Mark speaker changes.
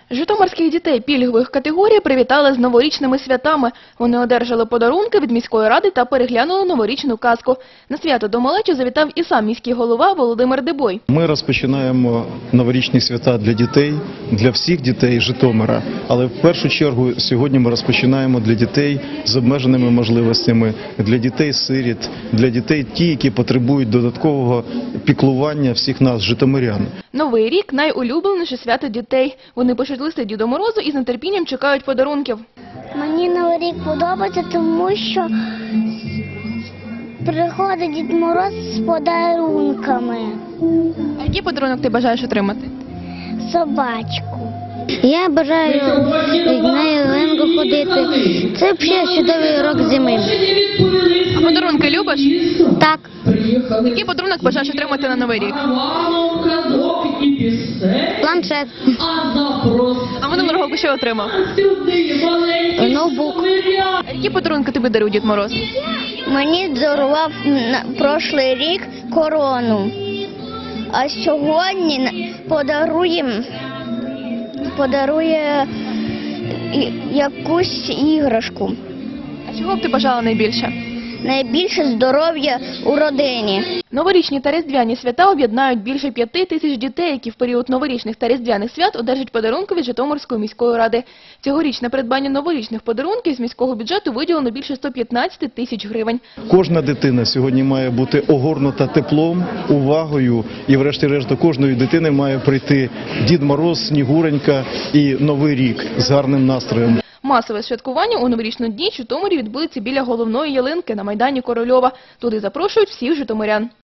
Speaker 1: Житомирських дітей пільгових категорій привітали з новорічними святами. Вони одержали подарунки від міської ради та переглянули новорічну казку. На свято до малечі завітав і сам міський голова Володимир Дебой.
Speaker 2: Ми розпочинаємо новорічні свята для дітей, для всіх дітей Житомира. Але в першу чергу сьогодні ми розпочинаємо для дітей з обмеженими можливостями, для дітей-сиріт, для дітей ті, які потребують додаткового піклування всіх нас, житомирян.
Speaker 1: Новий рік – найулюбленіше свято дітей. Вони пишуть листи Діду Морозу і з нетерпінням чекають подарунків.
Speaker 3: Мені Новий рік подобається, тому що приходить Дід Мороз з подарунками.
Speaker 1: А який подарунок ти бажаєш отримати?
Speaker 3: Собачку. Я бажаю на ялинку ходити. Це взагалі чудовий рок зими.
Speaker 1: А подарунки любиш?
Speaker 3: Так.
Speaker 1: Який подарунок бажаєш отримати на Новий рік?
Speaker 3: Планшет.
Speaker 1: А минулого року що отримав?
Speaker 3: Ноутбук.
Speaker 1: А які подарунки тобі дарує Дід Мороз?
Speaker 3: Мені дарував на прошлий рік корону. А сьогодні подарує якусь іграшку.
Speaker 1: А чого б ти бажала найбільше?
Speaker 3: Найбільше здоров'я у родині.
Speaker 1: Новорічні та різдвяні свята об'єднають більше 5 тисяч дітей, які в період новорічних та різдвяних свят одержать подарунки від Житомирської міської ради. Цьогоріч на придбання новорічних подарунків з міського бюджету виділено більше 115 тисяч гривень.
Speaker 2: Кожна дитина сьогодні має бути огорнута теплом, увагою і врешті-решт до кожної дитини має прийти Дід Мороз, Снігуренька і Новий рік з гарним настроєм.
Speaker 1: Масове святкування у новорічну ніч у Житомирі відбудеться біля головної ялинки на майдані Корольова. Туди запрошують всіх житомирян.